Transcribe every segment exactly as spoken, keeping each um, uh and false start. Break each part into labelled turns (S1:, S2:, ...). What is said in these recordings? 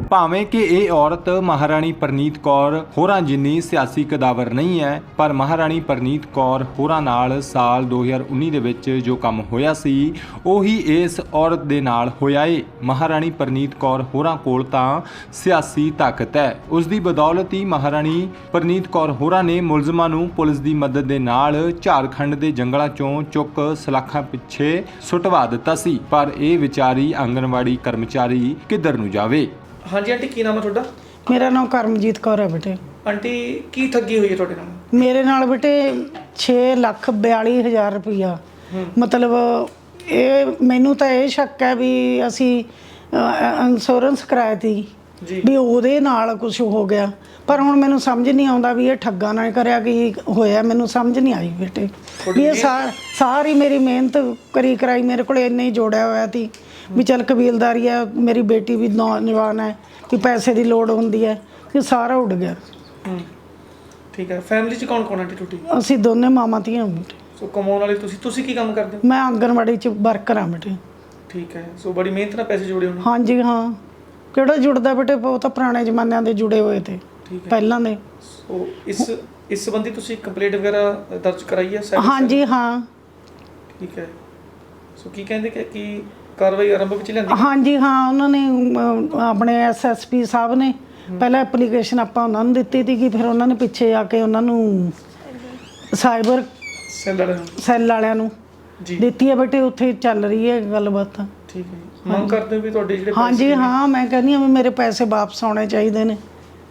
S1: ਭਾਵੇਂ ਕਿ ਇਹ ਔਰਤ ਮਹਾਰਾਣੀ ਪ੍ਰਨੀਤ ਕੌਰ ਹੋਰਾਂ ਜਿੰਨੀ ਸਿਆਸੀ ਕਦਾਵਰ ਨਹੀਂ ਹੈ, ਪਰ ਮਹਾਰਾਣੀ ਪ੍ਰਨੀਤ ਕੌਰ ਹੋਰਾਂ ਨਾਲ ਸਾਲ ਦੋ ਹਜ਼ਾਰ ਉੱਨੀ ਦੇ ਵਿੱਚ ਜੋ ਕੰਮ ਹੋਇਆ ਸੀ ਉਹੀ ਇਸ ਔਰਤ ਦੇ ਨਾਲ ਹੋਇਆ ਏ। ਮਹਾਰਾਣੀ ਪ੍ਰਨੀਤ ਕੌਰ ਹੋਰਾਂ ਕੋਲ ਤਾਂ ਸਿਆਸੀ ਤਾਕਤ ਹੈ। ਉਸ ਦੀ ਬਦੌਲਤ ਹੀ ਮਹਾਰਾਣੀ ਪ੍ਰਨੀਤ ਕੌਰ ਹੋਰਾਂ ਨੇ ਮੁਲਜ਼ਮਾਂ ਨੂੰ ਪੁਲਿਸ ਦੀ ਮਦਦ ਦੇ ਨਾਲ ਝਾਰਖੰਡ ਦੇ ਜੰਗਲਾਂ ਚੋਂ ਚੁੱਕ ਸਲਾਖਾਂ ਪਿੱਛੇ ਸੁੱਟਵਾ ਦਿੱਤਾ ਸੀ। ਪਰ ਇਹ ਵਿਚਾਰੀ ਆਂਗਣਵਾੜੀ ਕਰਮਚਾਰੀ ਕਿੱਧਰ ਨੂੰ ਜਾਵੇ।
S2: ਹਾਂਜੀ ਆਂਟੀ, ਕੀ ਨਾਮ ਹੈ ਤੁਹਾਡਾ?
S3: ਮੇਰਾ ਨਾਮ ਕਰਮਜੀਤ ਕੌਰ ਹੈ ਬੇਟੇ।
S2: ਆਂਟੀ, ਕੀ ਠੱਗੀ ਹੋਈ ਹੈ ਤੁਹਾਡੇ ਨਾਲ?
S3: ਮੇਰੇ ਨਾਲ ਬੇਟੇ ਛੇ ਲੱਖ ਬਿਆਲੀ ਹਜ਼ਾਰ ਰੁਪਈਆ, ਮਤਲਬ ਇਹ ਮੈਨੂੰ ਤਾਂ ਇਹ ਸ਼ੱਕ ਹੈ ਵੀ ਅਸੀਂ ਇੰਸ਼ੋਰੈਂਸ ਕਰਾਇਆ ਤੀ ਵੀ ਉਹਦੇ ਨਾਲ ਕੁਝ ਹੋ ਗਿਆ, ਪਰ ਹੁਣ ਮੈਨੂੰ ਸਮਝ ਨਹੀਂ ਆਉਂਦਾ ਵੀ ਇਹ ਠੱਗਾ ਨਾਲ ਕਰਿਆ ਕੀ ਹੋਇਆ। ਮੈਨੂੰ ਸਮਝ ਨਹੀਂ ਆਈ ਬੇਟੇ ਵੀ ਇਹ ਸਾਰੀ ਮੇਰੀ ਮਿਹਨਤ ਕਰੀ ਕਰਾਈ ਮੇਰੇ ਕੋਲ ਇੰਨੇ ਹੀ ਜੋੜਿਆ ਹੋਇਆ ਸੀ ਵੀ ਚੱਲ ਕਬੀਲਦਾਰੀ ਹੈ, ਮੇਰੀ ਬੇਟੀ ਵੀ ਨੌਜਵਾਨ ਹੈ ਕਿ ਪੈਸੇ ਦੀ ਲੋੜ ਹੁੰਦੀ ਹੈ, ਕਿ ਸਾਰਾ ਉੱਡ ਗਿਆ।
S2: ਠੀਕ ਹੈ। ਫੈਮਿਲੀ 'ਚ ਕੌਣ ਕੌਣ ਆਂਟੀ ਤੁਹਾਡੀ?
S3: ਅਸੀਂ ਦੋਨੇ ਮਾਵਾਂ ਧੀਆਂ ਬੇਟੇ।
S2: ਸੋ ਕਮਾਉਣ ਵਾਲੇ ਤੁਸੀਂ ਤੁਸੀਂ ਕੀ ਕੰਮ ਕਰਦੇ ਹੋ?
S3: ਮੈਂ ਆਂਗਣਵਾੜੀ 'ਚ ਵਰਕਰ ਹਾਂ ਬੇਟੇ।
S2: ਠੀਕ ਹੈ। ਸੋ ਬੜੀ ਮਿਹਨਤ ਨਾਲ ਪੈਸੇ ਜੋੜੇ ਹੋਣੇ।
S3: ਹਾਂਜੀ ਹਾਂ, ਕਿਹੜਾ ਜੁੜਦਾ ਬੇਟੇ, ਬਹੁਤ ਪੁਰਾਣੇ ਜ਼ਮਾਨਿਆਂ ਦੇ ਜੁੜੇ ਹੋਏ ਤੇ ਪਹਿਲਾਂ ਦੇ।
S2: ਸੋ ਇਸ ਇਸ ਸੰਬੰਧੀ ਤੁਸੀਂ ਕੰਪਲੇਂਟ ਵਗੈਰਾ ਦਰਜ ਕਰਾਈ ਹੈ?
S3: ਹਾਂਜੀ ਹਾਂ।
S2: ਠੀਕ ਹੈ। ਸੋ ਕੀ ਕਹਿੰਦੇ ਕਿ ਕੀ ਕਾਰਵਾਈ ਆਰੰਭ ਵਿੱਚ ਲੈਂਦੀ?
S3: ਹਾਂਜੀ ਹਾਂ, ਉਹਨਾਂ ਨੇ ਆਪਣੇ ਐਸ ਐਸ ਪੀ ਸਾਹਿਬ ਨੇ ਪਹਿਲਾਂ ਐਪਲੀਕੇਸ਼ਨ ਆਪਾਂ ਉਹਨਾਂ ਨੂੰ ਦਿੱਤੀ ਸੀ ਕਿ ਫਿਰ ਉਹਨਾਂ ਨੇ ਪਿੱਛੇ ਆ ਕੇ ਉਹਨਾਂ ਨੂੰ ਸਾਈਬਰ
S2: ਸੈੱਲ ਵਾਲਿਆਂ ਨੂੰ
S3: ਸੈੱਲ ਵਾਲਿਆਂ ਨੂੰ ਦਿੱਤੀ ਹੈ ਬੇਟੇ। ਉੱਥੇ ਚੱਲ ਰਹੀ ਹੈ ਗੱਲਬਾਤ।
S2: ਠੀਕ ਹੈ। ਮੰਗ ਕਰਦੇ ਹੋ ਵੀ ਤੁਹਾਡੇ ਜਿਹੜੇ ਪੈਸੇ?
S3: ਹਾਂਜੀ ਹਾਂ, ਮੈਂ ਕਹਿੰਦੀ ਹਾਂ ਵੀ ਮੇਰੇ ਪੈਸੇ ਵਾਪਸ ਆਉਣੇ ਚਾਹੀਦੇ ਨੇ।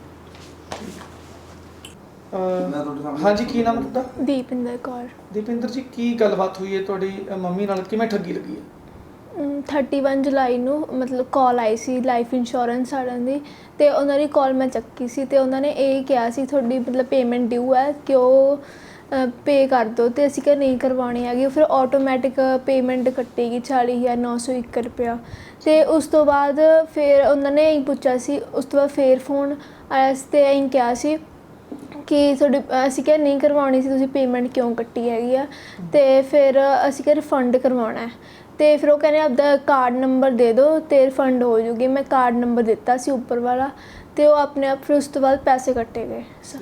S2: ਹਾਂਜੀ, ਕੀ ਨਾਮ ਤੁਹਾਡਾ?
S4: ਦੀਪਿੰਦਰ ਕੌਰ।
S2: ਦੀਪਿੰਦਰ ਜੀ, ਕੀ ਗੱਲਬਾਤ ਹੋਈ ਹੈ ਤੁਹਾਡੀ ਮੰਮੀ ਨਾਲ? ਕਿਵੇਂ ਠੱਗੀ ਲੱਗੀ ਹੈ?
S4: ਇਕੱਤੀ ਜੁਲਾਈ ਨੂੰ ਮਤਲਬ ਕਾਲ ਆਈ ਸੀ ਲਾਈਫ ਇੰਸ਼ੋਰੈਂਸ ਵਾਲਿਆਂ ਦੀ, ਅਤੇ ਉਹਨਾਂ ਦੀ ਕਾਲ ਮੈਂ ਚੱਕੀ ਸੀ ਅਤੇ ਉਹਨਾਂ ਨੇ ਇਹ ਕਿਹਾ ਸੀ ਤੁਹਾਡੀ ਮਤਲਬ ਪੇਮੈਂਟ ਡਿਊ ਹੈ ਕਿ ਉਹ ਪੇ ਕਰ ਦਿਓ, ਅਤੇ ਅਸੀਂ ਕਿਹਾ ਨਹੀਂ ਕਰਵਾਉਣੀ ਹੈਗੀ। ਫਿਰ ਆਟੋਮੈਟਿਕ ਪੇਮੈਂਟ ਕੱਟੇਗੀ ਚਾਲੀ ਹਜ਼ਾਰ ਨੌ ਸੌ ਇੱਕ ਰੁਪਇਆ। ਅਤੇ ਉਸ ਤੋਂ ਬਾਅਦ ਫਿਰ ਉਹਨਾਂ ਨੇ ਇਹੀ ਪੁੱਛਿਆ ਸੀ, ਉਸ ਤੋਂ ਬਾਅਦ ਫਿਰ ਫੋਨ ਆਇਆ ਸੀ ਅਤੇ ਇਹੀ ਕਿਹਾ ਸੀ ਕਿ ਤੁਹਾਡੀ, ਅਸੀਂ ਕਿਹਾ ਨਹੀਂ ਕਰਵਾਉਣੀ ਸੀ, ਤੁਸੀਂ ਪੇਮੈਂਟ ਕਿਉਂ ਕੱਟੀ ਹੈਗੀ ਆ। ਅਤੇ ਫਿਰ ਅਸੀਂ ਕਿਹਾ ਰਿਫੰਡ ਕਰਵਾਉਣਾ ਹੈ, ਅਤੇ ਫਿਰ ਉਹ ਕਹਿੰਦੇ ਆਪਦਾ ਕਾਰਡ ਨੰਬਰ ਦੇ ਦਿਓ ਅਤੇ ਰਿਫੰਡ ਹੋ ਜੂਗੀ। ਮੈਂ ਕਾਰਡ ਨੰਬਰ ਦਿੱਤਾ ਸੀ ਉੱਪਰ ਵਾਲਾ, ਅਤੇ ਉਹ ਆਪਣੇ ਆਪ ਫਿਰ ਉਸ ਤੋਂ ਬਾਅਦ ਪੈਸੇ ਕੱਟੇ ਗਏ।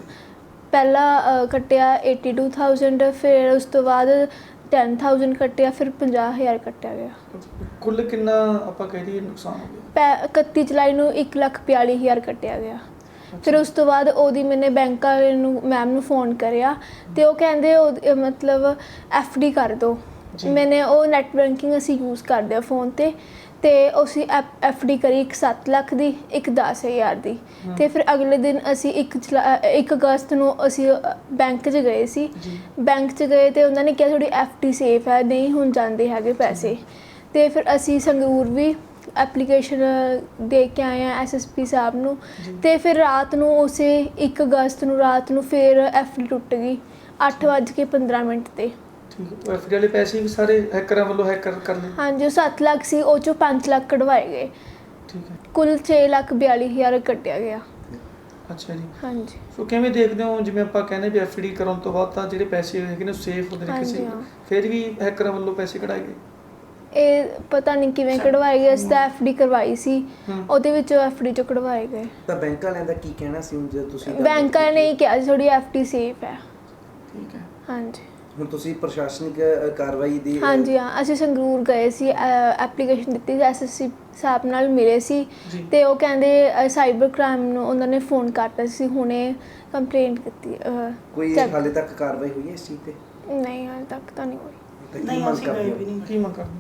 S4: ਪਹਿਲਾਂ ਕੱਟਿਆ ਏਟੀ ਟੂ ਥਾਊਜੈਂਡ, ਫਿਰ ਉਸ ਤੋਂ ਬਾਅਦ ਟੈਨ ਥਾਊਜੈਂਡ ਕੱਟਿਆ, ਫਿਰ ਪੰਜਾਹ ਹਜ਼ਾਰ ਕੱਟਿਆ ਗਿਆ।
S2: ਕੁੱਲ ਕਿੰਨਾ ਆਪਾਂ ਕਹਿ ਦਈਏ ਨੁਕਸਾਨ ਹੋ ਗਿਆ?
S4: ਪੈ ਇਕੱਤੀ ਜੁਲਾਈ ਨੂੰ ਇੱਕ ਲੱਖ ਬਿਆਲੀ ਹਜ਼ਾਰ ਕੱਟਿਆ ਗਿਆ। ਫਿਰ ਉਸ ਤੋਂ ਬਾਅਦ ਉਹਦੀ ਮੈਨੇ ਬੈਂਕ ਵਾਲੇ ਨੂੰ ਮੈਮ ਨੂੰ ਫ਼ੋਨ ਕਰਿਆ, ਅਤੇ ਉਹ ਕਹਿੰਦੇ ਉਹ ਮਤਲਬ ਐਫ ਡੀ ਕਰ ਦਿਓ। ਮੈਨੇ ਉਹ ਨੈੱਟ ਬੈਂਕਿੰਗ ਅਸੀਂ ਯੂਜ਼ ਕਰਦੇ ਹਾਂ ਫ਼ੋਨ 'ਤੇ, ਅਤੇ ਅਸੀਂ ਐਫ ਐਫ ਡੀ ਕਰੀ ਇੱਕ ਸੱਤ ਲੱਖ ਦੀ, ਇੱਕ ਦਸ ਹਜ਼ਾਰ ਦੀ। ਅਤੇ ਫਿਰ ਅਗਲੇ ਦਿਨ ਅਸੀਂ ਇੱਕ ਜੁਲਾ ਇੱਕ ਅਗਸਤ ਨੂੰ ਅਸੀਂ ਬੈਂਕ 'ਚ ਗਏ ਸੀ। ਬੈਂਕ 'ਚ ਗਏ ਅਤੇ ਉਹਨਾਂ ਨੇ ਕਿਹਾ ਤੁਹਾਡੀ ਐਫ ਡੀ ਸੇਫ ਹੈ, ਨਹੀਂ ਹੁਣ ਜਾਂਦੇ ਹੈਗੇ ਪੈਸੇ। ਅਤੇ ਫਿਰ ਅਸੀਂ ਸੰਗਰੂਰ ਵੀ ਐਪਲੀਕੇਸ਼ਨ ਦੇ ਕੇ ਆਏ ਹਾਂ ਐਸ ਐਸ ਪੀ ਸਾਹਿਬ ਨੂੰ, ਅਤੇ ਫਿਰ ਰਾਤ ਨੂੰ ਉਸੇ ਇੱਕ ਅਗਸਤ ਨੂੰ ਰਾਤ ਨੂੰ ਫਿਰ ਐਫ ਡੀ ਟੁੱਟ ਗਈ ਅੱਠ ਵੱਜ ਕੇ ਪੰਦਰਾਂ ਮਿੰਟ 'ਤੇ।
S2: ਠੀਕ ਹੈ। ਐਫ ਡੀ ਵਾਲੇ ਪੈਸੇ ਵੀ ਸਾਰੇ ਹੈਕਰਾਂ ਵੱਲੋਂ ਹੈਕਰ ਕਰ ਲਏ?
S4: ਹਾਂਜੀ, ਉਹ ਸੱਤ ਲੱਖ ਸੀ, ਉਹ 'ਚੋਂ ਪੰਜ ਲੱਖ ਕਢਵਾਏ ਗਏ।
S2: ਠੀਕ ਹੈ।
S4: ਕੁੱਲ ਛੇ ਲੱਖ ਬਿਆਲੀ ਹਜ਼ਾਰ ਕੱਟਿਆ ਗਿਆ।
S2: ਅੱਛਾ ਜੀ।
S4: ਹਾਂਜੀ।
S2: ਸੋ ਕਿਵੇਂ ਦੇਖਦੇ ਹੋ, ਜਿਵੇਂ ਆਪਾਂ ਕਹਿੰਦੇ ਵੀ ਐਫ ਡੀ ਕਰਾਉਣ ਤੋਂ ਬਾਅਦ ਤਾਂ ਜਿਹੜੇ ਪੈਸੇ ਹੈਗੇ ਨੇ ਸੇਫ ਹੁੰਦੇ ਨੇ, ਕਿਸੇ ਫਿਰ ਵੀ ਹੈਕਰਾਂ ਵੱਲੋਂ ਪੈਸੇ ਕਢਾਏ ਗਏ? ਇਹ
S4: ਪਤਾ ਨਹੀਂ ਕਿਵੇਂ ਕਢਵਾਏ ਗਏ। ਅਸੀਂ ਤਾਂ ਐਫ ਡੀ ਕਰਵਾਈ ਸੀ, ਉਹਦੇ ਵਿੱਚੋਂ ਐਫ ਡੀ 'ਚੋਂ ਕਢਵਾਏ ਗਏ।
S5: ਤਾਂ ਬੈਂਕ ਵਾਲਿਆਂ ਦਾ ਕੀ ਕਹਿਣਾ ਸੀ ਹੁਣ ਜਦੋਂ ਤੁਸੀਂ?
S4: ਬੈਂਕ ਵਾਲਿਆਂ ਨੇ ਇਹ ਕਿਹਾ ਸੀ ਤੁਹਾਡੀ ਐਫ ਡੀ ਸੇਫ ਹੈ।
S2: ਠੀਕ ਹੈ। ਹਾਂਜੀ।
S5: ਹੁਣ ਤੁਸੀਂ ਪ੍ਰਸ਼ਾਸਨਿਕ ਕਾਰਵਾਈ ਦੀ?
S4: ਹਾਂਜੀ ਹਾਂ, ਅਸੀਂ ਸੰਗਰੂਰ ਗਏ ਸੀ, ਐਪਲੀਕੇਸ਼ਨ ਦਿੱਤੀ ਸੀ, ਐਸ ਐਸ ਪੀ ਸਾਹਿਬ ਨਾਲ ਮਿਲੇ ਸੀ, ਅਤੇ ਉਹ ਕਹਿੰਦੇ ਸਾਈਬਰ ਕ੍ਰਾਈਮ ਨੂੰ ਉਹਨਾਂ ਨੇ ਫ਼ੋਨ ਕਰਤਾ ਸੀ, ਹੁਣੇ ਕੰਪਲੇਂਟ ਕੀਤੀ।
S5: ਕੋਈ ਹਾਲੇ ਤੱਕ ਕਾਰਵਾਈ ਹੋਈ ਹੈ ਇਸ ਚੀਜ਼ 'ਤੇ?
S4: ਨਹੀਂ, ਹਾਲੇ ਤੱਕ ਤਾਂ ਨਹੀਂ ਹੋਈ।
S3: ਨਹੀਂ, ਅਸੀਂ ਗਏ ਵੀ ਨਹੀਂ।
S2: ਕੀ ਮੰਗ ਕਰਦੇ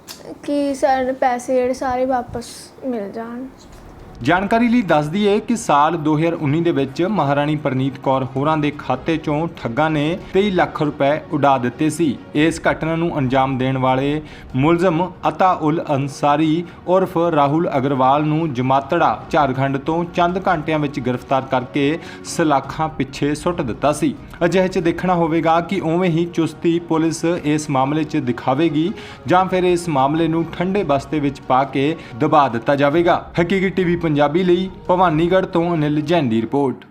S4: ਕਿ ਸਾਡੇ ਪੈਸੇ ਜਿਹੜੇ ਸਾਰੇ ਵਾਪਸ ਮਿਲ ਜਾਣ।
S1: ਜਾਣਕਾਰੀ ਲਈ ਦੱਸ ਦਈਏ ਕਿ ਸਾਲ ਦੋ ਹਜ਼ਾਰ ਉੱਨੀ ਦੇ ਵਿੱਚ ਮਹਾਰਾਣੀ ਪ੍ਰਨੀਤ ਕੌਰ ਹੋਰਾਂ ਦੇ ਖਾਤੇ ਚੋਂ ਠੱਗਾਂ ਨੇ ਤੇਈ ਲੱਖ ਰੁਪਏ ਉਡਾ ਦਿੱਤੇ ਸੀ। ਇਸ ਘਟਨਾ ਨੂੰ ਅੰਜਾਮ ਦੇਣ ਵਾਲੇ ਮੁਲਜ਼ਮ ਅਤਾ ਉਲ ਅੰਸਾਰੀ ਉਰਫ ਰਾਹੁਲ ਅਗਰਵਾਲ ਨੂੰ ਜਮਾਤੜਾ ਝਾਰਖੰਡ ਤੋਂ ਚੰਦ ਘੰਟਿਆਂ ਵਿੱਚ ਗ੍ਰਿਫਤਾਰ ਕਰਕੇ ਸਲਾਖਾਂ ਪਿੱਛੇ ਸੁੱਟ ਦਿੱਤਾ ਸੀ। ਅਜਿਹੇ 'ਚ ਦੇਖਣਾ ਹੋਵੇਗਾ ਕਿ ਉਵੇਂ ਹੀ ਚੁਸਤੀ ਪੁਲਿਸ ਇਸ ਮਾਮਲੇ 'ਚ ਦਿਖਾਵੇਗੀ ਜਾਂ ਫਿਰ ਇਸ ਮਾਮਲੇ ਨੂੰ ਠੰਡੇ ਬਸਤੇ ਵਿੱਚ ਪਾ ਕੇ ਦਬਾ ਦਿੱਤਾ ਜਾਵੇਗਾ। ਹਕੀਕੀ ਟੀਵੀ ਪੰਜਾਬੀ ਲਈ ਭਵਾਨੀਗੜ੍ਹ ਤੋਂ ਅਨਿਲ ਜੈਨ ਦੀ ਰਿਪੋਰਟ।